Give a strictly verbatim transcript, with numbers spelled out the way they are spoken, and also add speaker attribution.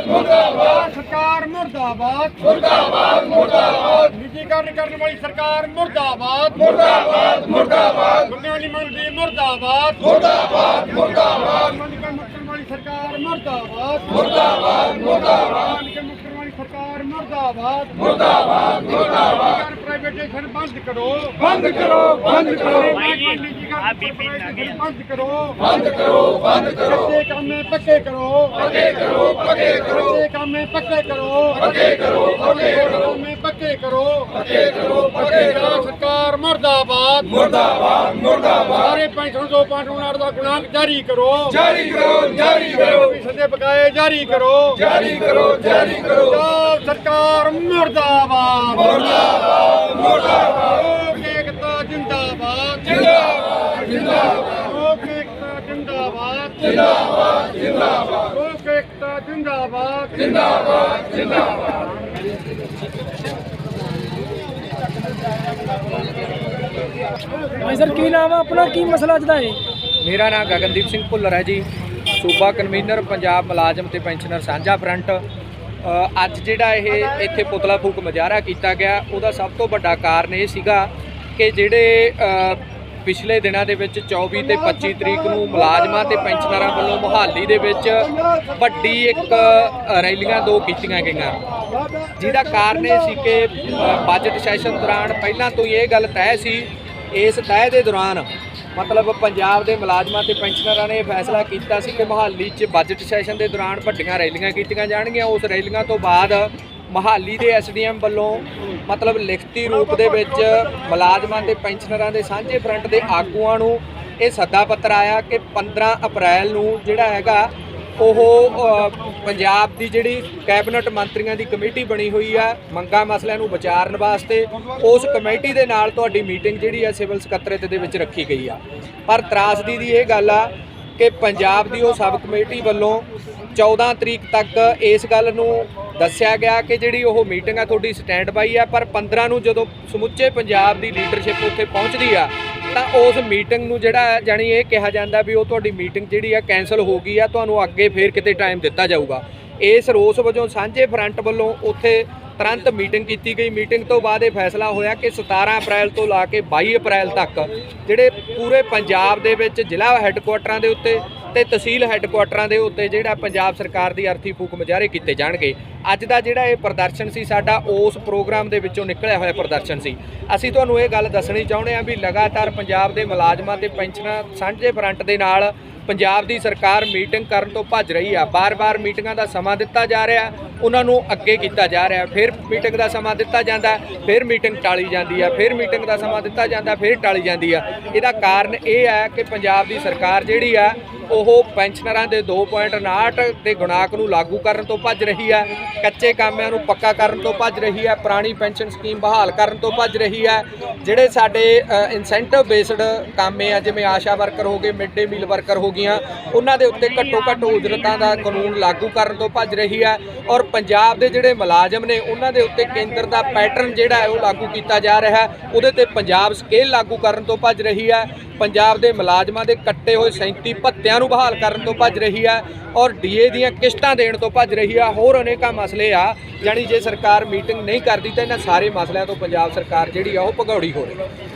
Speaker 1: मुर्दाबाद सरकार मुर्दाबाद मुर्दाबाद मुर्दाबाद निजीकरण करने वाली सरकार मुर्दाबाद मुर्दाबाद मुर्दाबाद बुनियादी मंदी मुर्दाबाद मुर्दाबाद मुर्दाबाद मुक्तन वाली सरकार मुर्दाबाद मुर्दाबाद मुर्दाबाद मुक्तन वाली सरकार मुर्दाबाद मुर्दाबाद मुर्दाबाद प्राइवेटाइजेशन बंद करो बंद करो बंद करो बंद करो बंद करो बंद करो कच्चे काम में पक्के करो पक्के करो पक्के करो कच्चे काम में पक्के करो पक्के करो पक्के करो में पक्के करो पक्के करो पक्के करो सरकार मुर्दाबाद मुर्दाबाद मुर्दाबाद सारे पेंशन दो पांच उनार दा गुणांक जारी करो जारी करो जारी करो सदे बकाए जारी करो जारी करो जारी करो सरकार मुर्दाबाद मुर्दाबाद मुर्दाबाद एकता जिंदाबाद जिंदाबाद जिंदाबाद एकता जिंदाबाद जिंदाबाद जिंदाबाद एकता जिंदाबाद जिंदाबाद जिंदाबाद
Speaker 2: भाई सर की नाम है अपना की मसला अज दा है?
Speaker 3: मेरा नाम गगनदीप सिंह भुल्लर है जी, सूबा कन्वीनर पंजाब मुलाजम ते पेंशनर साझा फ्रंट। ਅੱਜ ਜਿਹੜਾ ਇਹ ਇੱਥੇ ਪੁਤਲਾ ਫੂਕ ਮੁਜ਼ਾਹਰਾ ਕੀਤਾ ਗਿਆ ਉਹਦਾ ਸਭ ਤੋਂ ਵੱਡਾ ਕਾਰਨ ਇਹ ਸੀਗਾ ਕਿ ਜਿਹੜੇ ਪਿਛਲੇ ਦਿਨਾਂ ਦੇ ਵਿੱਚ ਚੌਵੀ ਤੇ ਪੱਚੀ ਤਰੀਕ ਨੂੰ ਮੁਲਾਜ਼ਮਾਂ ਤੇ ਪੈਨਸ਼ਨਰਾਂ ਵੱਲੋਂ ਮੁਹਾਲੀ ਦੇ ਵਿੱਚ ਵੱਡੀ ਇੱਕ ਰੈਲੀਆਂ ਦੋ ਕੀਤੀਆਂ ਗਈਆਂ, ਜਿਹਦਾ ਕਾਰਨ ਇਹ ਸੀ ਕਿ ਬਜਟ ਸੈਸ਼ਨ ਦੌਰਾਨ ਪਹਿਲਾਂ ਤੋਂ ਹੀ ਇਹ ਗੱਲ ਤੈਅ ਸੀ। ਇਸ ਤੈਅ ਦੇ ਦੌਰਾਨ मतलब पंजाब के मुलाजमान ते पेंशनरां ने फैसला किया सी कि मोहाली च बजट सैशन के दौरान वड्डियां रैलियां कीतियां जाणगियां। उस रैलियां तो बाद मोहाली के एस डी एम वालों मतलब लिखती रूप दे विच मुलाजमां ते पेंशनरां दे सांझे फ्रंट के आगूआं नूं ये सद्दा पत्र आया कि पंद्रह अप्रैल नूं जिहड़ा हैगा ਉਹ ਪੰਜਾਬ ਦੀ ਜਿਹੜੀ ਕੈਬਨਿਟ ਮੰਤਰੀਆਂ ਦੀ ਕਮੇਟੀ ਬਣੀ ਹੋਈ ਆ ਮੰਗਾਂ ਮਸਲਿਆਂ ਨੂੰ ਵਿਚਾਰਨ ਵਾਸਤੇ, ਉਸ ਕਮੇਟੀ ਦੇ ਨਾਲ ਤੁਹਾਡੀ ਮੀਟਿੰਗ ਜਿਹੜੀ ਆ ਸਿਵਲ ਸਕੱਤਰੇਤ ਦੇ ਵਿੱਚ ਰੱਖੀ ਗਈ ਆ। ਪਰ ਤਰਾਸਦੀ ਦੀ ਇਹ ਗੱਲ ਆ ਕਿ ਪੰਜਾਬ ਦੀ ਉਹ ਸਬ ਕਮੇਟੀ ਵੱਲੋਂ ਚੌਦਾਂ ਤਰੀਕ ਤੱਕ ਇਸ ਗੱਲ ਨੂੰ ਦੱਸਿਆ ਗਿਆ ਕਿ ਜਿਹੜੀ ਉਹ ਮੀਟਿੰਗ ਆ ਤੁਹਾਡੀ ਸਟੈਂਡ ਬਾਈ ਆ, ਪਰ ਪੰਦਰਾਂ ਨੂੰ ਜਦੋਂ ਸਮੁੱਚੇ ਪੰਜਾਬ ਦੀ ਲੀਡਰਸ਼ਿਪ ਉੱਥੇ ਪਹੁੰਚਦੀ ਆ ਤਾਂ ਉਸ ਮੀਟਿੰਗ ਨੂੰ ਜਿਹੜਾ ਜਾਣੀ ਇਹ ਕਿਹਾ ਜਾਂਦਾ ਵੀ ਉਹ ਤੁਹਾਡੀ ਮੀਟਿੰਗ ਜਿਹੜੀ ਆ ਕੈਂਸਲ ਹੋ ਗਈ ਆ, ਤੁਹਾਨੂੰ ਅੱਗੇ ਫੇਰ ਕਿਤੇ ਟਾਈਮ ਦਿੱਤਾ ਜਾਊਗਾ। ਇਸ ਰੋਸ ਵਜੋਂ ਸਾਂਝੇ ਫਰੰਟ ਵੱਲੋਂ ਉੱਥੇ ਤੁਰੰਤ ਮੀਟਿੰਗ ਕੀਤੀ ਗਈ। ਮੀਟਿੰਗ ਤੋਂ ਬਾਅਦ ਇਹ ਫੈਸਲਾ ਹੋਇਆ ਕਿ ਸਤਾਰਾਂ ਅਪ੍ਰੈਲ ਤੋਂ ਲਾ ਕੇ ਬਾਈ ਅਪ੍ਰੈਲ ਤੱਕ ਜਿਹੜੇ ਪੂਰੇ ਪੰਜਾਬ ਦੇ ਵਿੱਚ ਜ਼ਿਲ੍ਹਾ ਹੈੱਡਕੁਆਟਰਾਂ ਦੇ ਉੱਤੇ ਤੇ ਤਹਿਸੀਲ ਹੈੱਡਕੁਆਟਰਾਂ ਦੇ ਉੱਤੇ ਜਿਹੜਾ ਪੰਜਾਬ ਸਰਕਾਰ ਦੀ ਅਰਥੀ ਫੂਕ ਮੁਜ਼ਾਹਰੇ ਕੀਤੇ ਜਾਣਗੇ। ਅੱਜ ਦਾ ਜਿਹੜਾ ਇਹ ਪ੍ਰਦਰਸ਼ਨ ਸੀ ਸਾਡਾ ਉਸ ਪ੍ਰੋਗਰਾਮ ਦੇ ਵਿੱਚੋਂ ਨਿਕਲਿਆ ਹੋਇਆ ਪ੍ਰਦਰਸ਼ਨ ਸੀ। ਅਸੀਂ ਤੁਹਾਨੂੰ ਇਹ ਗੱਲ ਦੱਸਣੀ ਚਾਹੁੰਦੇ ਹਾਂ ਵੀ ਲਗਾਤਾਰ ਪੰਜਾਬ ਦੇ ਮੁਲਾਜ਼ਮਾਂ ਤੇ ਪੈਨਸ਼ਨਰ ਸਾਂਝੇ ਫਰੰਟ ਦੇ ਨਾਲ ਪੰਜਾਬ ਦੀ ਸਰਕਾਰ ਮੀਟਿੰਗ ਕਰਨ ਤੋਂ ਭੱਜ ਰਹੀ ਆ। ਬਾਰ-ਬਾਰ ਮੀਟਿੰਗਾਂ ਦਾ ਸਮਾਂ ਦਿੱਤਾ ਜਾ ਰਿਹਾ, ਉਹਨਾਂ ਨੂੰ ਅੱਗੇ ਕੀਤਾ ਜਾ ਰਿਹਾ, ਫਿਰ ਮੀਟਿੰਗ ਦਾ ਸਮਾਂ ਦਿੱਤਾ ਜਾਂਦਾ, ਫਿਰ ਮੀਟਿੰਗ ਟਾਲੀ ਜਾਂਦੀ ਆ, ਫਿਰ ਮੀਟਿੰਗ ਦਾ ਸਮਾਂ ਦਿੱਤਾ ਜਾਂਦਾ, ਫਿਰ ਟਾਲੀ ਜਾਂਦੀ ਆ। ਇਹਦਾ ਕਾਰਨ ਇਹ ਹੈ ਕਿ ਪੰਜਾਬ ਦੀ ਸਰਕਾਰ ਜਿਹੜੀ ਆ ਉਹ ਪੈਨਸ਼ਨਰਾਂ ਦੇ ਦੋ ਪੁਆਇੰਟ ਉਨਾਹਠ ਦੇ ਗੁਣਾਕ ਨੂੰ ਲਾਗੂ ਕਰਨ ਤੋਂ ਭੱਜ ਰਹੀ ਹੈ, ਕੱਚੇ ਕਾਮਿਆਂ ਨੂੰ ਪੱਕਾ ਕਰਨ ਤੋਂ ਭੱਜ ਰਹੀ ਹੈ, ਪੁਰਾਣੀ ਪੈਨਸ਼ਨ ਸਕੀਮ ਬਹਾਲ ਕਰਨ ਤੋਂ ਭੱਜ ਰਹੀ ਹੈ। ਜਿਹੜੇ ਸਾਡੇ ਇਨਸੈਂਟਿਵ ਬੇਸਡ ਕਾਮੇ ਆ ਜਿਵੇਂ ਆਸ਼ਾ ਵਰਕਰ ਹੋ ਗਏ, ਮਿਡ ਡੇ ਮੀਲ ਵਰਕਰ ਹੋ ਗਈਆਂ, ਉਹਨਾਂ ਦੇ ਉੱਤੇ ਘੱਟੋ ਘੱਟ ਉਜਰਤਾਂ ਦਾ ਕਾਨੂੰਨ ਲਾਗੂ ਕਰਨ ਤੋਂ ਭੱਜ ਰਹੀ ਹੈ। ਔਰ ਪੰਜਾਬ ਦੇ ਜਿਹੜੇ ਮੁਲਾਜ਼ਮ ਨੇ ਉਹਨਾਂ ਦੇ ਉੱਤੇ ਕੇਂਦਰ ਦਾ ਪੈਟਰਨ ਜਿਹੜਾ ਹੈ ਉਹ ਲਾਗੂ ਕੀਤਾ ਜਾ ਰਿਹਾ, ਉਹਦੇ ਤੇ ਪੰਜਾਬ ਸਕੇਲ ਲਾਗੂ ਕਰਨ ਤੋਂ ਭੱਜ ਰਹੀ ਹੈ। ਪੰਜਾਬ ਦੇ ਮੁਲਾਜ਼ਮਾਂ ਦੇ ਕੱਟੇ ਹੋਏ ਸੈਂਤੀ ਭੱਤਿਆਂ ਨੂੰ ਬਹਾਲ ਕਰਨ ਤੋਂ ਭੱਜ ਰਹੀ ਹੈ ਔਰ ਡੀਏ ਦੀਆਂ ਕਿਸ਼ਤਾਂ ਦੇਣ ਤੋਂ ਭੱਜ ਰਹੀ ਆ। ਹੋਰ ਅਨੇਕਾਂ ਮਸਲੇ ਆ, ਜਾਣੀ ਜੇ ਸਰਕਾਰ ਮੀਟਿੰਗ ਨਹੀਂ ਕਰਦੀ ਤਾਂ ਇਹਨਾਂ ਸਾਰੇ ਮਸਲਿਆਂ ਤੋਂ ਪੰਜਾਬ ਸਰਕਾਰ ਜਿਹੜੀ ਆ ਉਹ ਭਗੌੜੀ ਹੋ ਰਹੀ ਹੈ।